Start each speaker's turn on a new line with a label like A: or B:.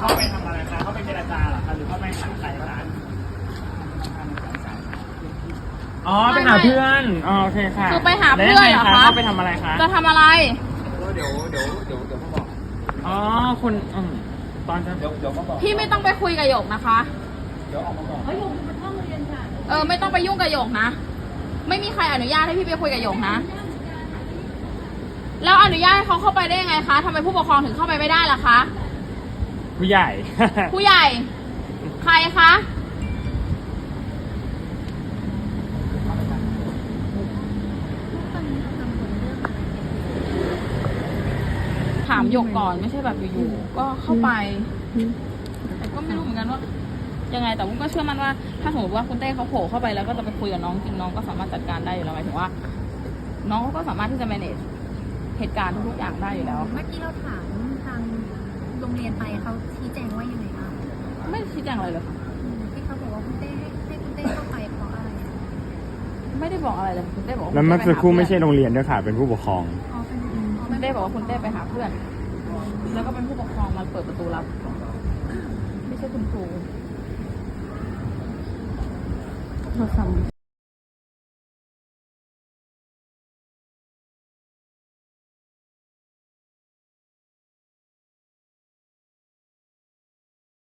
A: เข้าไปทำอะไรคะเข้าไปเจรจาเหรอคะหรือเข้าไปหาใครคะอ๋อไปหาเพื่อนอ๋อโอเคค่ะ
B: คือไปหาเพื่อนเหรอคะ
A: เข้าไปทำอะไรคะ
B: จะทำอะไร
A: เดี๋ยวมาบอกอ๋อคุณตอนจะเดี๋ยวมาบอก
B: พี่ไม่ต้องไปคุยกับหยกนะคะ
A: เดี๋ยวออกมาบอก
B: ไม่ต้องไปยุ่งกับหยกนะ ไม่มีใครอนุญาตให้พี่ไปคุยกับหยกนะ แล้วอนุญาตให้เขาเข้าไปได้ยังไงคะทำไมผู้ปกครองถึงเข้าไปไม่ได้ล่ะคะ
A: ผู้ใหญ่
B: ผู้ใหญ่ ใครคะ ถามหยกก่อนไม่ใช่แบบอยู่ๆก็เข้าไป แต่ก็ไม่รู้เหมือนกันว่า ยังไงแต่วุ้นก็เชื่อมั่นว่าถ้าสมมติว่าคุณเต้เขาโผล่เข้าไปแล้วก็จะไปคุยกับน้องจริงน้องก็สามารถจัดการได้อยู่แล้วหมายถึงว่า น้องเขาก็สามารถที่จะ manage เหตุการณ์ทุกๆอย่างได้อยู่แล้ว
C: เมื่อกี้เราถามทางโรงเรียนไปเขาชี้แจงว่ายังไงคะ
B: ไม่ชี้แจงอะไรเลยค่ะ
C: ที่เขาบอกว่าคุณเต้ให้คุณเต้เข้าไปเพราะอะไรอะ
B: ไม่ได้บอกอะไรเลยคุณเต้บอกว่า
A: แล้วเมื่อสักครู่ไม่ใช่โรงเรียนด้วยค่ะ เป็นผู้ปกครอง
C: อ๋อเป็นอ๋อ
B: คุณเต้บอกว่าคุณเต้ไปหาเพื่อน แล้วก็เป็นผู้ปกครองมาเปิดประตูรับ ไม่ใช่คุณครู